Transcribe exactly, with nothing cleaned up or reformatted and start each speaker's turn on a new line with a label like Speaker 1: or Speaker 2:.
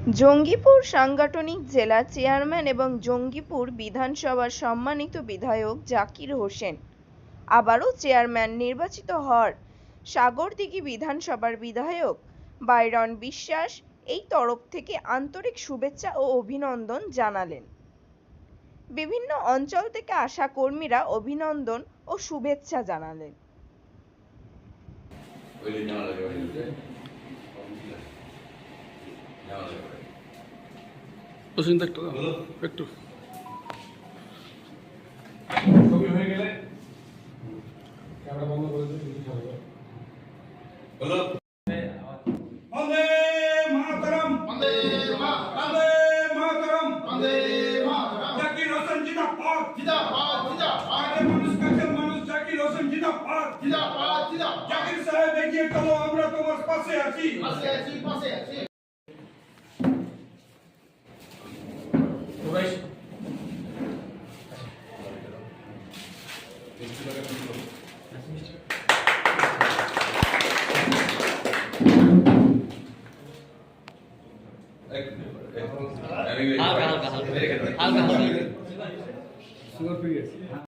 Speaker 1: জঙ্গিপুর সাংগঠনিক জেলা চেয়ারম্যান এবং জঙ্গিপুর বিধানসভার সম্মানিত বিধায়ক জাকির হোসেন আবারও চেয়ারম্যান নির্বাচিত হওয়ার সাগরদিঘি বিধানসভার বিধায়ক বাইরন বিশ্বাস এই তরফ থেকে আন্তরিক শুভেচ্ছা ও অভিনন্দন জানালেন। বিভিন্ন অঞ্চল থেকে আসা কর্মীরা অভিনন্দন ও শুভেচ্ছা জানালেন।
Speaker 2: একটু
Speaker 3: ছবি হয়ে গেলে ক্যামেরা বন্ধ করে দিতে হবে। হলো বন্দে মাতরম, বন্দে মাতরম, বন্দে মাতরম, বন্দে মাতরম। জাকির হোসেন জিন্দাবাদ, জিন্দাবাদ, জিন্দাবাদ। আরে মানুষ কাছে মানুষ, জাকির হোসেন জিন্দাবাদ, জিন্দাবাদ, জিন্দাবাদ। জাকির সাহেব এগিয়ে চলো, আমরা তোমার পাশে আছি, পাশে আছি, পাশে আছি। ওরাই
Speaker 4: হালকা হালকা হালকা হালকা হালকা